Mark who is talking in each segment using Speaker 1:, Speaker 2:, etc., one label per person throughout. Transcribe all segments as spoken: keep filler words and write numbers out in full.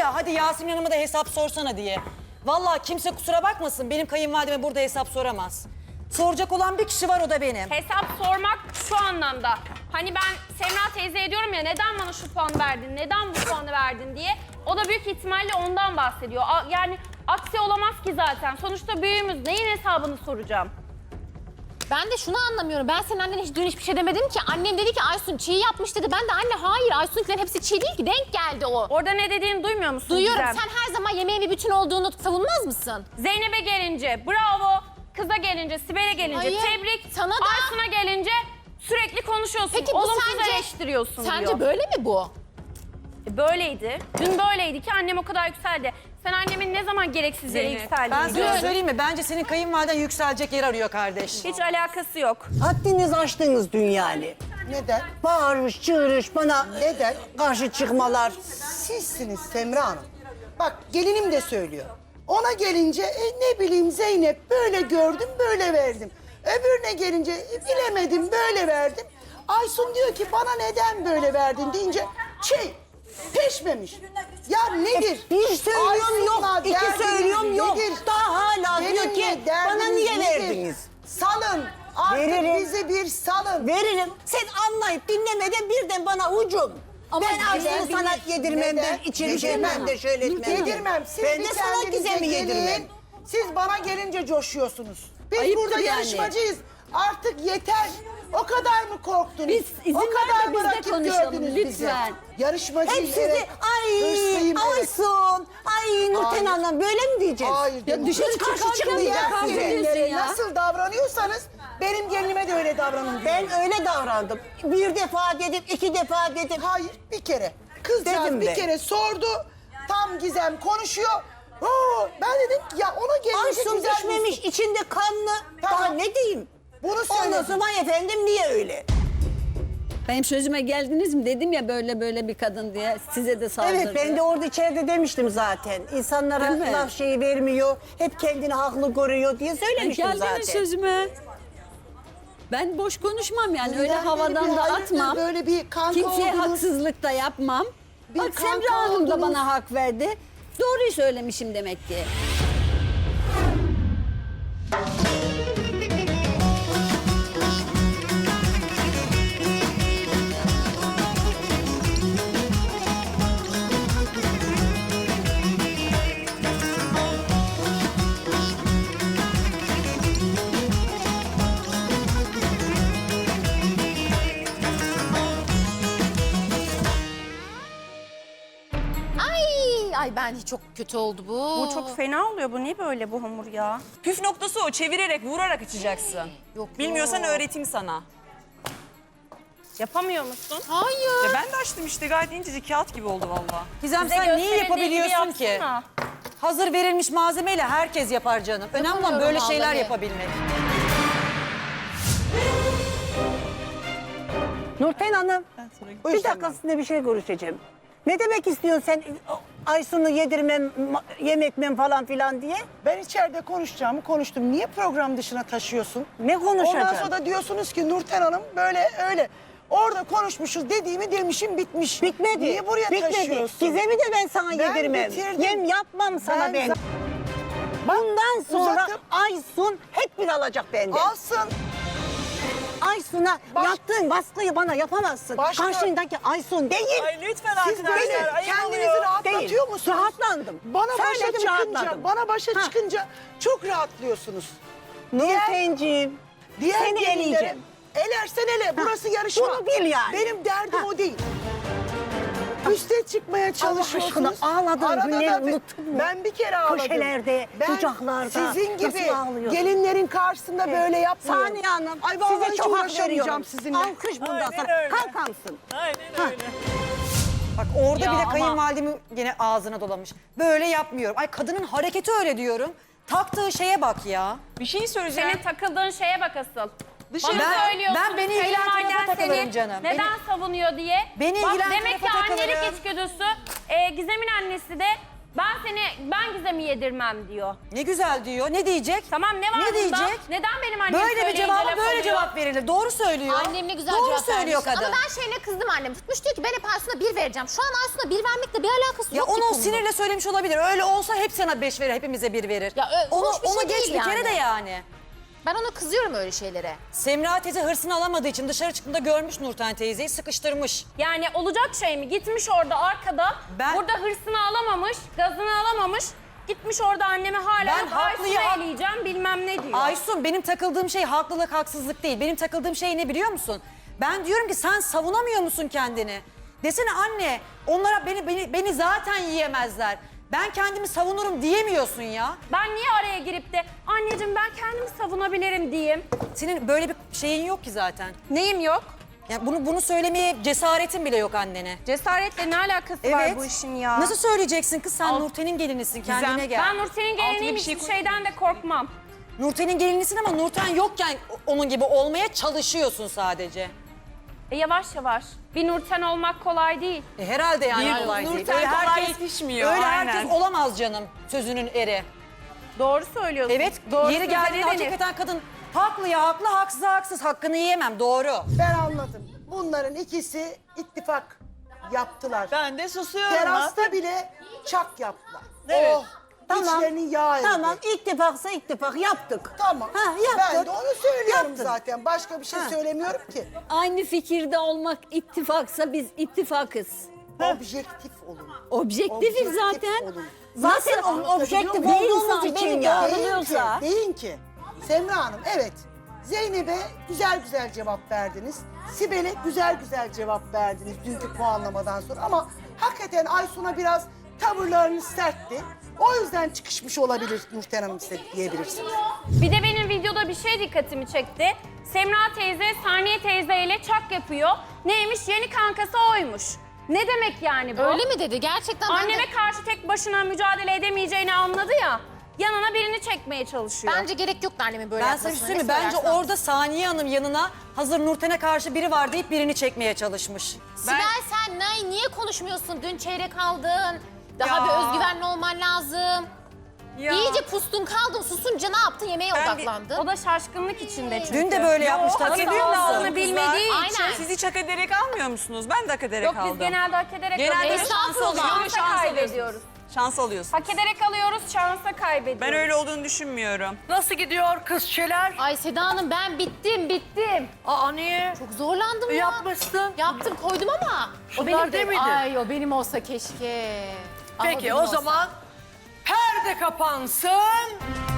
Speaker 1: ya hadi Yasemin Hanım'a da hesap sorsana diye. Vallahi kimse kusura bakmasın benim kayınvalideme burada hesap soramaz. Soracak olan bir kişi var, o da benim.
Speaker 2: Hesap sormak şu anlamda. Hani ben Semra teyzeye diyorum ya neden bana şu puan verdin, neden bu puanı verdin diye. O da büyük ihtimalle ondan bahsediyor. A- Yani aksi olamaz ki zaten. Sonuçta büyüğümüz, neyin hesabını soracağım?
Speaker 3: Ben de şunu anlamıyorum. Ben senin annene hiç dün hiçbir şey demedim ki. Annem dedi ki Aysun çiğ yapmış dedi. Ben de anne hayır Aysun'unkilerin hepsi çiğ değil ki. Denk geldi o.
Speaker 2: Orada ne dediğini duymuyor musun
Speaker 3: Duyuyorum.
Speaker 2: Gizem?
Speaker 3: Sen her zaman yemeğin bir bütün olduğunu savunmaz mısın?
Speaker 2: Zeynep'e gelince bravo, kıza gelince, Sibel'e gelince
Speaker 3: Hayır,
Speaker 2: tebrik,
Speaker 3: sana da-
Speaker 2: Aysun'a gelince sürekli konuşuyorsun,
Speaker 3: Peki bu
Speaker 2: olumsuz
Speaker 3: sence,
Speaker 2: eleştiriyorsun
Speaker 3: sence
Speaker 2: diyor.
Speaker 3: böyle mi bu?
Speaker 2: E, Böyleydi. Dün böyleydi ki annem o kadar yükseldi. Sen annemin ne zaman gereksiz yere yükseldiğini
Speaker 1: Ben sana
Speaker 2: gördün.
Speaker 1: söyleyeyim mi? Bence senin kayınvaliden yükselecek yer arıyor kardeş.
Speaker 2: Hiç alakası yok.
Speaker 4: Haddiniz aştınız dün yani.
Speaker 5: Neden?
Speaker 4: Bağırış, çığırış, bana
Speaker 5: Neden?
Speaker 4: karşı çıkmalar.
Speaker 5: Sizsiniz Semra Hanım. Bak gelinim de söylüyor. Ona gelince e, ne bileyim Zeynep böyle gördüm böyle verdim. Öbürüne gelince e, bilemedim böyle verdim. Aysun diyor ki bana neden böyle verdin deyince şey peşmemiş. Ya nedir?
Speaker 4: Bir söylüyorum
Speaker 5: Aysun'la
Speaker 4: yok, iki
Speaker 5: derdiniz
Speaker 4: söylüyorum yok.
Speaker 5: nedir?
Speaker 4: Daha hala diyor
Speaker 5: Benimle
Speaker 4: ki
Speaker 5: derdiniz
Speaker 4: bana niye
Speaker 5: nedir?
Speaker 4: verdiniz?
Speaker 5: Salın. Artık
Speaker 4: Veririm.
Speaker 5: bizi bir salın.
Speaker 4: Veririm. Sen anlayıp dinlemeden birden bana ucum.
Speaker 3: Ama
Speaker 4: ben Aysun'u
Speaker 5: neden?
Speaker 4: sana yedirmem,
Speaker 5: Neden?
Speaker 4: ben içeri
Speaker 5: Yedirmem.
Speaker 4: şeymem de şöyle etmem.
Speaker 5: Yedirmem. Siz
Speaker 4: ben
Speaker 5: bir
Speaker 4: de sana
Speaker 5: kendinize
Speaker 4: Gizem'i
Speaker 5: gelin.
Speaker 4: yedirmem.
Speaker 5: Siz bana gelince coşuyorsunuz. Biz
Speaker 4: Ayıptır
Speaker 5: burada
Speaker 4: yani.
Speaker 5: yarışmacıyız. Artık yeter. O kadar mı korktunuz?
Speaker 6: Biz izin
Speaker 5: o
Speaker 6: ver
Speaker 5: kadar
Speaker 6: de biz de
Speaker 5: rakip
Speaker 6: konuşalım,
Speaker 5: gördünüz bizi.
Speaker 6: lütfen.
Speaker 5: Yarışmacıyız.
Speaker 4: Hep sizi
Speaker 5: evet.
Speaker 4: ay
Speaker 5: Hırslıyım, evet.
Speaker 4: Aysun, ay Nurten
Speaker 5: Hayır.
Speaker 4: Hanım böyle mi diyeceğiz?
Speaker 5: Hayır.
Speaker 6: Ya dışarı
Speaker 4: Hiç karşı
Speaker 6: çıkarken bile
Speaker 4: çıkmayacağız
Speaker 6: kavga
Speaker 4: size.
Speaker 6: ediyorsun
Speaker 5: Gelinlere
Speaker 6: ya.
Speaker 5: nasıl davranıyorsanız benim gelinime de öyle davranın. diyorum.
Speaker 4: Ben öyle davrandım. Bir defa dedim, iki defa dedim.
Speaker 5: Hayır bir kere. Kızcağız
Speaker 4: Dedim
Speaker 5: bir
Speaker 4: ben.
Speaker 5: kere sordu. Tam Gizem konuşuyor. Oo, ben dedim ki ya ona gelince
Speaker 4: Aysun
Speaker 5: güzel
Speaker 4: düşmemiş, içinde kanlı.
Speaker 5: Tamam.
Speaker 4: Daha ne diyeyim?
Speaker 5: Bunu
Speaker 4: Ondan
Speaker 5: söyledim.
Speaker 4: sonra efendim niye öyle?
Speaker 6: Benim sözüme geldiniz mi? Dedim ya böyle böyle bir kadın diye. Size de saldırdı.
Speaker 4: Evet ben de orada içeride demiştim zaten. İnsanlara
Speaker 6: Değil mi?
Speaker 4: laf şeyi vermiyor. Hep kendini haklı görüyor diye söylemiştim
Speaker 6: Geldiniz
Speaker 4: zaten.
Speaker 6: sözüme. Ben boş konuşmam yani.
Speaker 5: Sizden
Speaker 6: Öyle
Speaker 5: beri
Speaker 6: havadan
Speaker 5: bir
Speaker 6: da
Speaker 5: hayırdır,
Speaker 6: atmam.
Speaker 5: böyle bir kanka
Speaker 6: Kimseye
Speaker 5: oldunuz.
Speaker 6: haksızlık da yapmam.
Speaker 5: Bir
Speaker 6: Bak
Speaker 5: kanka
Speaker 6: Semra Hanım da
Speaker 5: oldunuz.
Speaker 6: bana hak verdi. Doğruyu söylemişim demek ki.
Speaker 3: Ay ay ben çok kötü oldu bu.
Speaker 2: Bu çok fena oluyor. Bu niye böyle bu hamur ya?
Speaker 7: Püf noktası o. Çevirerek, vurarak açacaksın.
Speaker 3: Yok,
Speaker 7: Bilmiyorsan
Speaker 3: yok.
Speaker 7: öğreteyim sana.
Speaker 2: Yapamıyor musun?
Speaker 3: Hayır.
Speaker 7: Ya ben de açtım işte. Gayet incecik kağıt gibi oldu vallahi.
Speaker 1: Gizem
Speaker 2: Bize
Speaker 1: sen niye
Speaker 2: gösterildiği gibi
Speaker 1: yapabiliyorsun ki?
Speaker 2: yapsana.
Speaker 1: Hazır verilmiş malzemeyle herkes yapar canım. Önemli olan
Speaker 3: Yapamıyorum
Speaker 1: böyle şeyler
Speaker 3: vallahi.
Speaker 1: yapabilmek.
Speaker 4: Nurten Hanım,
Speaker 5: Buyur
Speaker 4: bir dakika
Speaker 5: Semra.
Speaker 4: sizinle bir şey görüşeceğim. Ne demek istiyorsun sen Aysun'u yedirmem, ma- yem etmem falan filan diye?
Speaker 5: Ben içeride konuşacağımı konuştum. Niye program dışına taşıyorsun?
Speaker 4: Ne konuşacaksın?
Speaker 5: Ondan sonra da diyorsunuz ki Nurten Hanım böyle öyle. Orada konuşmuşuz dediğimi demişim bitmiş.
Speaker 4: Bitmedi.
Speaker 5: Niye buraya
Speaker 4: Bitmedi.
Speaker 5: taşıyorsun?
Speaker 4: Gizem'i de ben sana
Speaker 5: Ben
Speaker 4: yedirmem.
Speaker 5: bitirdim.
Speaker 4: Yem yapmam sana
Speaker 5: Ben
Speaker 4: ben.
Speaker 5: za-
Speaker 4: Bundan sonra
Speaker 5: uzatıp-
Speaker 4: Aysun hep bir alacak benden.
Speaker 5: Alsın.
Speaker 4: Aysun'a
Speaker 5: Baş-
Speaker 4: yaptığın baskıyı bana yapamazsın.
Speaker 5: Başka-
Speaker 4: Karşındaki Aysun değil.
Speaker 7: Ay lütfen
Speaker 5: Siz
Speaker 7: arkadaşlar.
Speaker 5: böyle
Speaker 7: ayıp
Speaker 5: kendinizi
Speaker 7: oluyor.
Speaker 5: rahatlatıyor
Speaker 4: Değil.
Speaker 5: musunuz?
Speaker 4: Rahatlandım.
Speaker 5: Bana başa
Speaker 4: Söyledim,
Speaker 5: çıkınca,
Speaker 4: rahatladım.
Speaker 5: bana başa
Speaker 4: Ha.
Speaker 5: çıkınca çok rahatlıyorsunuz.
Speaker 4: Nurten'ciğim,
Speaker 5: Diğer
Speaker 4: seni
Speaker 5: gelinlere
Speaker 4: eleyeceğim.
Speaker 5: Elersen ele, burası yarışma.
Speaker 4: bunu bil yani.
Speaker 5: Benim derdim o değil. Üste çıkmaya çalışıyorsunuz.
Speaker 4: aşkına, ağladığın
Speaker 5: Arada
Speaker 4: günleri
Speaker 5: da-
Speaker 4: unuttun mu?
Speaker 5: Ben bir kere ağladım.
Speaker 4: Köşelerde,
Speaker 5: ben
Speaker 4: kucaklarda
Speaker 5: sizin gibi
Speaker 4: nasıl ağlıyordun?
Speaker 5: gelinlerin karşısında böyle yapmıyorum.
Speaker 4: Saniye Hanım,
Speaker 5: Ay vallahi
Speaker 4: size
Speaker 5: hiç
Speaker 4: çok hak
Speaker 5: uğraşamayacağım
Speaker 4: veriyorum.
Speaker 5: sizinle.
Speaker 4: Alkış bundan
Speaker 7: Aynen
Speaker 4: sonra.
Speaker 7: öyle.
Speaker 4: Kalkar mısın?
Speaker 7: Aynen öyle.
Speaker 1: Bak orada
Speaker 2: Ya
Speaker 1: bile
Speaker 2: ama-
Speaker 1: kayınvalidemi gene ağzına dolamış. Böyle yapmıyorum. Ay kadının hareketi öyle diyorum. Taktığı şeye bak ya.
Speaker 7: Bir şey söyleyeceğim.
Speaker 2: Senin takıldığın şeye bak asıl.
Speaker 7: Dışarı-
Speaker 2: Bana
Speaker 1: Ben-
Speaker 2: söylüyorsun.
Speaker 1: ben beni ilgilendiren
Speaker 2: kayınvaliden
Speaker 1: tarafa takılırım
Speaker 2: seni
Speaker 1: canım.
Speaker 2: Neden
Speaker 1: Beni-
Speaker 2: savunuyor diye.
Speaker 1: Beni
Speaker 2: Bak,
Speaker 1: ilgilendiren
Speaker 2: demek ki
Speaker 1: tarafa
Speaker 2: annelik
Speaker 1: takılırım.
Speaker 2: içgüdüsü. E, Gizem'in annesi de Ben seni, ben Gizem'i yedirmem diyor.
Speaker 1: Ne güzel diyor. Ne diyecek?
Speaker 2: Tamam ne var
Speaker 1: Ne
Speaker 2: bunda?
Speaker 1: diyecek?
Speaker 2: Neden benim annem
Speaker 1: Böyle bir
Speaker 2: söyleyince
Speaker 1: cevaba
Speaker 2: laf
Speaker 1: böyle
Speaker 2: oluyor?
Speaker 1: cevap verilir. Doğru söylüyor.
Speaker 3: Annem ne güzel
Speaker 1: Doğru
Speaker 3: cevap
Speaker 1: söylüyor
Speaker 3: vermiş.
Speaker 1: kadın.
Speaker 3: Ama ben şeyine kızdım annem. Tutmuş diyor ki ben hep Aysun'a bir vereceğim. Şu an Aysun'a bir vermekle bir alakası
Speaker 1: Ya
Speaker 3: yok ki
Speaker 1: onu o
Speaker 3: konunun.
Speaker 1: sinirle söylemiş olabilir. Öyle olsa hep sana beş verir, hepimize bir verir.
Speaker 3: Ya ö-
Speaker 1: onu
Speaker 3: hoş bir
Speaker 1: onu
Speaker 3: şey
Speaker 1: geç
Speaker 3: değil
Speaker 1: bir kere
Speaker 3: yani.
Speaker 1: de yani.
Speaker 3: Ben ona kızıyorum öyle şeylere.
Speaker 1: Semra teyze hırsını alamadığı için dışarı çıktığında görmüş Nurten teyzeyi, sıkıştırmış.
Speaker 2: Yani olacak şey mi? Gitmiş orada arkada,
Speaker 1: Ben-
Speaker 2: burada hırsını alamamış, gazını alamamış. Gitmiş orada anneme hala
Speaker 1: Ben
Speaker 2: Aysun'u
Speaker 1: haklıyım.
Speaker 2: eleyeceğim bilmem ne diyor.
Speaker 1: Aysun, benim takıldığım şey haklılık haksızlık değil. Benim takıldığım şey ne biliyor musun? Ben diyorum ki sen savunamıyor musun kendini? Desene anne, onlara beni beni beni zaten yiyemezler. Ben kendimi savunurum diyemiyorsun ya.
Speaker 2: Ben niye araya girip de anneciğim ben kendimi savunabilirim diyeyim.
Speaker 1: Senin böyle bir şeyin yok ki zaten.
Speaker 2: Neyim yok?
Speaker 1: Yani bunu bunu söylemeye cesaretin bile yok annene.
Speaker 2: Cesaretle ne alakası var bu işin ya?
Speaker 1: Nasıl söyleyeceksin kız, sen
Speaker 7: Alt-
Speaker 1: Nurten'in gelinisin, kendine gel.
Speaker 2: Ben Nurten'in geliniyim,
Speaker 7: bir şey
Speaker 2: hiçbir
Speaker 7: koy-
Speaker 2: şeyden de korkmam.
Speaker 1: Nurten'in gelinisin ama Nurten yokken onun gibi olmaya çalışıyorsun sadece.
Speaker 2: E yavaş yavaş. Bir Nurten olmak kolay değil.
Speaker 1: E herhalde yani
Speaker 7: Bir
Speaker 1: kolay değil.
Speaker 7: Nurten
Speaker 1: Öyle
Speaker 7: kolay
Speaker 1: herkes,
Speaker 7: yetişmiyor,
Speaker 1: öyle
Speaker 7: aynen.
Speaker 1: herkes olamaz canım, sözünün eri.
Speaker 2: Doğru söylüyorsun.
Speaker 1: Evet,
Speaker 2: Doğru
Speaker 1: yeri
Speaker 2: söze
Speaker 1: geldiğinde
Speaker 2: ne denir?
Speaker 1: hakikaten kadın haklı ya haklı, haksız haksız, hakkını yiyemem, doğru.
Speaker 5: Ben anladım. Bunların ikisi ittifak yaptılar.
Speaker 7: Ben de susuyorum.
Speaker 5: Terasta bile çak yaptılar.
Speaker 7: Evet.
Speaker 5: Oh,
Speaker 4: Tamam.
Speaker 5: içlerinin yağı eridi.
Speaker 4: Tamam, ittifaksa ittifak yaptık.
Speaker 5: Tamam.
Speaker 4: Ha,
Speaker 5: Ben
Speaker 4: yaptık.
Speaker 5: de onu söylüyorum
Speaker 4: Yaptın.
Speaker 5: zaten. Başka bir şey
Speaker 4: Ha.
Speaker 5: söylemiyorum ki.
Speaker 6: Aynı fikirde olmak ittifaksa biz ittifakız.
Speaker 5: Objektif olun.
Speaker 6: Objektifiz
Speaker 5: Objektif
Speaker 6: zaten.
Speaker 5: olun.
Speaker 4: Zaten
Speaker 5: Nasıl
Speaker 4: o- objektif
Speaker 5: anlatabiliyor muyum?
Speaker 4: olduğumuz
Speaker 6: İnsan
Speaker 4: için
Speaker 6: beni
Speaker 4: ya.
Speaker 6: gördü.
Speaker 5: Deyin ki,
Speaker 6: Anlıyorsa.
Speaker 5: deyin ki Semra Hanım evet Zeynep'e güzel güzel cevap verdiniz. Sibel'e güzel güzel cevap verdiniz dünkü puanlamadan sonra ama hakikaten Aysun'a biraz tavırlarınız sertti. O yüzden çıkışmış olabilir Nurten Hanım size diyebilirsiniz.
Speaker 2: Bir de benim videoda bir şey dikkatimi çekti. Semra teyze Saniye teyzeyle çak yapıyor. Neymiş? Yeni kankası oymuş. Ne demek yani bu?
Speaker 3: Öyle mi dedi? Gerçekten ben de-
Speaker 2: Anneme karşı tek başına mücadele edemeyeceğini anladı ya. Yanına birini çekmeye çalışıyor.
Speaker 3: Bence gerek yoktu annemin böyle
Speaker 1: Ben
Speaker 3: yapmasına.
Speaker 1: sana bir şey söyleyeyim mi?
Speaker 3: Ne
Speaker 1: Bence
Speaker 3: söylersen.
Speaker 1: orada Saniye Hanım yanına hazır Nurten'e karşı biri var deyip birini çekmeye çalışmış.
Speaker 3: Sibel sen ne, niye konuşmuyorsun? Dün çeyrek aldın. Daha
Speaker 7: Ya.
Speaker 3: bir özgüvenli olman lazım.
Speaker 7: Ya.
Speaker 3: İyice pustun kaldın. Susunca ne yaptın? Yemeğe
Speaker 7: Ben bir-
Speaker 3: odaklandın.
Speaker 2: O da şaşkınlık içinde çünkü.
Speaker 1: Dün de böyle yapmıştı,
Speaker 7: Hak
Speaker 1: hatırlıyor
Speaker 7: ediyor
Speaker 1: musun?
Speaker 7: musunuz
Speaker 2: Aldığını bilmediği
Speaker 7: kızlar?
Speaker 2: için.
Speaker 3: Aynen.
Speaker 7: Siz hiç hak ederek almıyor musunuz? Ben de hak ederek
Speaker 2: Yok
Speaker 7: aldım.
Speaker 2: biz genelde hak ederek
Speaker 7: Genelde
Speaker 2: alıyoruz.
Speaker 7: şans
Speaker 3: Estağfurullah.
Speaker 7: alıyoruz.
Speaker 2: Şansa
Speaker 7: Şans
Speaker 2: kaybediyoruz.
Speaker 7: alıyoruz. Şans alıyorsun.
Speaker 2: Hak ederek alıyoruz, şansa kaybediyoruz.
Speaker 7: Ben öyle olduğunu düşünmüyorum.
Speaker 8: Nasıl gidiyor kızçeler?
Speaker 3: Ay Seda Hanım ben bittim bittim.
Speaker 8: Aa niye?
Speaker 3: Çok zorlandım ya.
Speaker 8: Yapmışsın.
Speaker 3: Yaptım koydum ama.
Speaker 8: Şunlar
Speaker 3: o benim
Speaker 8: değil
Speaker 3: de.
Speaker 8: miydi?
Speaker 3: Ay o benim olsa keşke. Ah,
Speaker 8: Peki
Speaker 3: benim
Speaker 8: o
Speaker 3: olsa.
Speaker 8: zaman perde kapansın.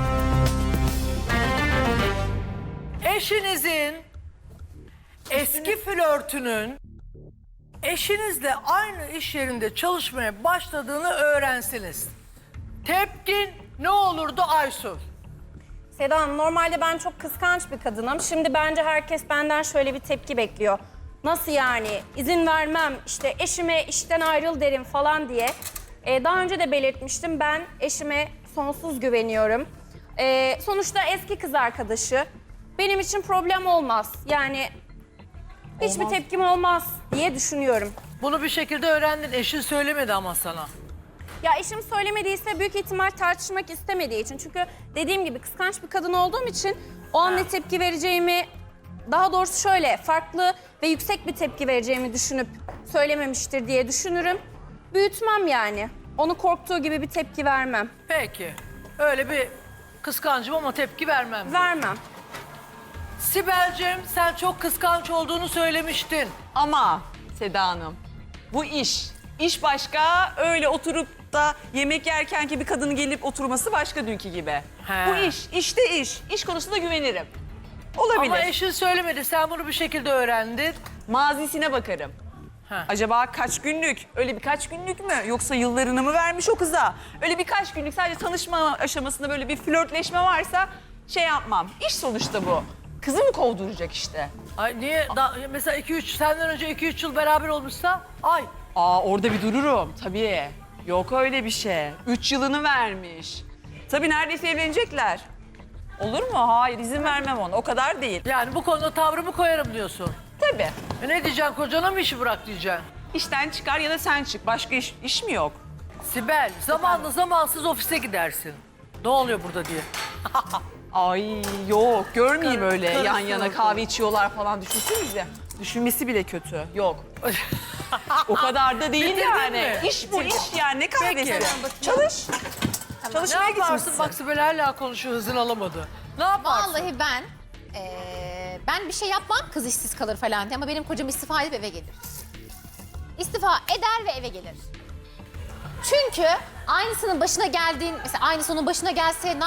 Speaker 8: Eşinizin eski flörtünün eşinizle aynı iş yerinde çalışmaya başladığını öğrensiniz. Tepkin ne olurdu Aysun?
Speaker 2: Seda Hanım, normalde ben çok kıskanç bir kadınım. Şimdi bence herkes benden şöyle bir tepki bekliyor. Nasıl yani? İzin vermem, işte eşime işten ayrıl derim falan diye. Ee, daha önce de belirtmiştim, ben eşime sonsuz güveniyorum. Ee, sonuçta eski kız arkadaşı. Benim için problem olmaz. Yani hiçbir tepkim olmaz diye düşünüyorum.
Speaker 8: Bunu bir şekilde öğrendin. Eşin söylemedi ama sana.
Speaker 2: Ya eşim söylemediyse büyük ihtimal tartışmak istemediği için. Çünkü dediğim gibi kıskanç bir kadın olduğum için o an ne tepki vereceğimi, daha doğrusu şöyle farklı ve yüksek bir tepki vereceğimi düşünüp söylememiştir diye düşünürüm. Büyütmem yani. Onu korktuğu gibi bir tepki vermem.
Speaker 8: Peki. Öyle bir kıskancım ama tepki vermem.
Speaker 2: Vermem.
Speaker 8: Sibel'cim sen çok kıskanç olduğunu söylemiştin.
Speaker 7: Ama Seda Hanım bu iş. İş başka, öyle oturup da yemek yerken ki bir kadının gelip oturması başka dünkü gibi.
Speaker 8: He.
Speaker 7: Bu iş, işte iş. İş konusunda güvenirim. Olabilir.
Speaker 8: Ama eşin söylemedi. Sen bunu bir şekilde öğrendin.
Speaker 7: Mazisine bakarım.
Speaker 8: Ha.
Speaker 7: Acaba kaç günlük? Öyle birkaç günlük mü? Yoksa yıllarını mı vermiş o kıza? Öyle birkaç günlük sadece tanışma aşamasında böyle bir flörtleşme varsa şey yapmam. İş sonuçta bu. Kızı mı kovduracak işte?
Speaker 8: Ay niye? Da, mesela iki üç senden önce iki üç yıl beraber olmuşsa ay.
Speaker 7: Aa orada bir dururum tabii. Yok öyle bir şey. Üç yılını vermiş. Tabii neredeyse evlenecekler. Olur mu? Hayır izin vermem ona. O kadar değil.
Speaker 8: Yani bu konuda tavrımı koyarım diyorsun.
Speaker 7: Tabii.
Speaker 8: E ne diyeceksin? Kocana mı işi bırak diyeceksin?
Speaker 7: İşten çıkar ya da sen çık. Başka iş, iş mi yok?
Speaker 8: Sibel zamanla zamansız ofise gidersin. Ne oluyor burada diye.
Speaker 7: Ay yok görmeyeyim
Speaker 8: Kar-
Speaker 7: öyle yan
Speaker 8: karısı
Speaker 7: yana
Speaker 8: oldu.
Speaker 7: kahve içiyorlar falan düşünsenize. Düşünmesi bile kötü. Yok. O kadar da değil
Speaker 8: Bitirdin
Speaker 7: yani.
Speaker 8: mi?
Speaker 7: İş bu iş yani ne kahvesi.
Speaker 8: Peki.
Speaker 7: Çalış.
Speaker 8: Ne
Speaker 7: Çalışmaya
Speaker 8: yaparsın?
Speaker 7: gitmişsin.
Speaker 8: Bak Sibel hala konuşuyor, hızını alamadı. Ne yaparsın?
Speaker 3: Vallahi ben eee, ben bir şey yapmam kız işsiz kalır falan diye ama benim kocam istifa edip eve gelir. İstifa eder ve eve gelir. Çünkü aynısının başına geldiğin, mesela aynısı onun başına gelse